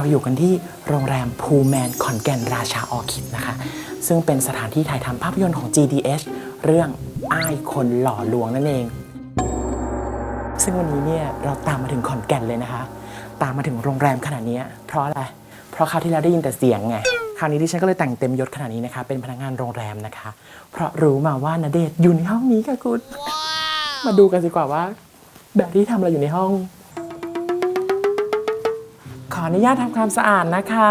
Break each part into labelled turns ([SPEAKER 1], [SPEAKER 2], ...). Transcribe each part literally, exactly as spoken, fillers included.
[SPEAKER 1] อยู่กันที่โรงแรมพูแมนขอนแก่นราชาออคิดนะคะซึ่งเป็นสถานที่ถ่ายทำภาพยนตร์ของ จี ดี เอช เรื่องอ้ายคนหล่อลวงนั่นเองซึ่งวันนี้เนี่ยเราตามมาถึงขอนแก่นเลยนะคะตามมาถึงโรงแรมขนาดนี้เพราะอะไรเพราะคราวที่แล้วได้ยินแต่เสียงไงคราวนี้ดิฉันก็เลยแต่งเต็มยศขนาดนี้นะคะเป็นพนักงานโรงแรมนะคะเพราะรู้มาว่าณเดชน์อยู่ในห้องนี้ค่ะคุณ wow. มาดูกันดีกว่าว่าแบบที่ทำอะไรอยู่ในห้องขออนุญาตทำความสะอาดนะคะ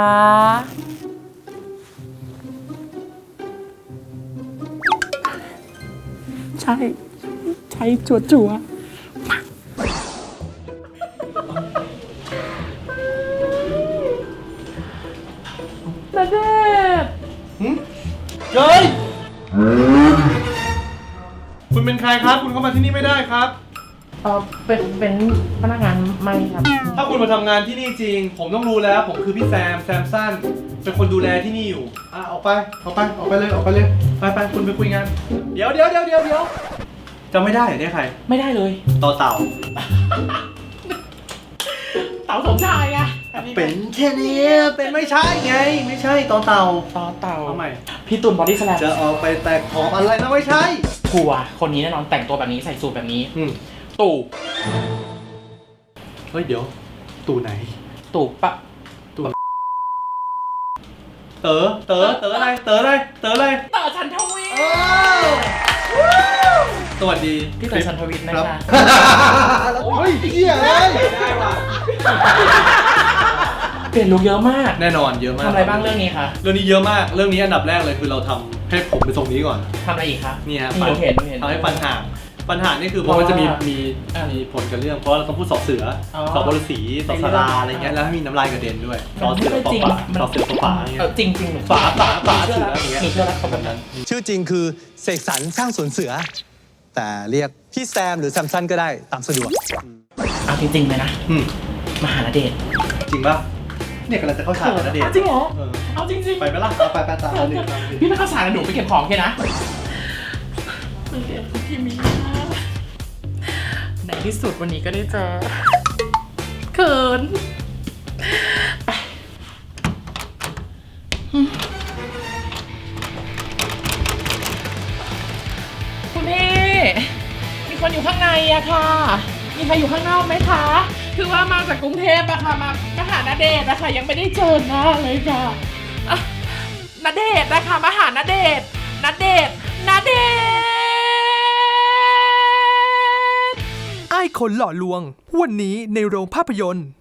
[SPEAKER 1] ใช่ใช้จั่วจั่วณเดชน์
[SPEAKER 2] เฮ้ยคุณเป็นใครครับคุณเข้ามาที่นี่ไม่ได้ครับ
[SPEAKER 1] เออเป็นเป็นพนักงานไม่ครับ
[SPEAKER 2] ถ้าคุณมาทำงานที่นี่จริงผมต้องรู้แล้วผมคือพี่แซมแซมสั้นเป็นคนดูแลที่นี่อยู่อ่ะออกไปออกไปออกไปเลยออกไปเลยไปไปคุณไปคุยงานเดี๋ยวเดี๋ยวเดี๋ยวเดี๋ยวเดี๋ยวจำไม่ได้เหรอเนี่ยใคร
[SPEAKER 1] ไม่ได้เลย
[SPEAKER 2] ต่อเต่า
[SPEAKER 1] เต่าสมชายไง
[SPEAKER 2] เป็นแค่นี้เป็นไม่ใช่ไงไม่ใช่ต่อเต่า
[SPEAKER 1] ต่อเต่า
[SPEAKER 2] เอาใหม่
[SPEAKER 1] พี่ตุ่นบอดี้สแลม
[SPEAKER 2] จะออกไปแตกขอบอะไรนะไม่ใช่
[SPEAKER 1] ผัวคนนี้แน่นอนแต่งตัวแบบนี้ใส่สูทแบบนี้ตู่
[SPEAKER 2] เฮ้ยเดี๋ยวตู่ไหน
[SPEAKER 1] ตู่ปะ
[SPEAKER 2] ตู่เต๋อเต๋อเต๋ออะไรเต๋ออะไรเต๋ออะไร
[SPEAKER 1] เต๋อชันทวี
[SPEAKER 2] สวัสดี
[SPEAKER 1] พี่เต๋อชันทวีนะคะ
[SPEAKER 2] เฮ้ยเหี้ยเลยได้ว่ะ
[SPEAKER 1] เปลี่ยนลุคเยอะมาก
[SPEAKER 2] แน่นอนเยอะมาก
[SPEAKER 1] ทำอะไรบ้างเรื่องนี้คะ
[SPEAKER 2] เรื่องนี้เยอะมากเรื่องนี้อันดับแรกเลยคือเราทำให้ผมไปตรงนี้ก่อน
[SPEAKER 1] ทำอะไรอีกคะ
[SPEAKER 2] นี่ฮะ
[SPEAKER 1] เห็นเห็น
[SPEAKER 2] ทำให้ปัญหาปัญหานี่คือเพราะมันจะมีมีมีผลกับเรื่องเพราะเราต้องพูดสอบเสือสอบบริสีสอบสราอะไรเงี้ยแล้วมีน้ำลายกระเด็นด้วยสอบเสือปอป่าสอบเสือปอป่าเงี้ย
[SPEAKER 1] จริงจริง
[SPEAKER 2] ฝาฝาฝาเสืออย่างเงี้ย
[SPEAKER 1] หนูเชื่อแล้วเขาแบบนั้น
[SPEAKER 3] ชื่อจริงคือเสกสรรสร้างสวนเสือแต่เรียกพี่แซมหรือแซมซันก็ได้ตามสะดวก
[SPEAKER 1] เอาจริงๆเลยนะมหาณเดชน์
[SPEAKER 2] จริงป่ะเนี่ยกำลังจะเข้าฉากณเดชน์
[SPEAKER 1] จริงเหรอเอาจริงๆ
[SPEAKER 2] ไปไหมล่ะเอาไปไปตามณเดชน์
[SPEAKER 1] พี่ไม่เข้าฉากกับหนูไปเก็บของแค่นะพี่มีในที่สุดวันนี้ก็ได้เจอเขินคุณพี่มีคนอยู่ข้างในอะค่ะมีใครอยู่ข้างนอกไหมคะคือว่ามาจากกรุงเทพอะค่ะมามาหาณเดชน์นะคะยังไม่ได้เจอหน้าเลยค่ะณเดชน์นะคะมาหาณเดชน์ณเดชน์ณเดชน์
[SPEAKER 4] อ้ายคนหล่อลวงวันนี้ในโรงภาพยนตร์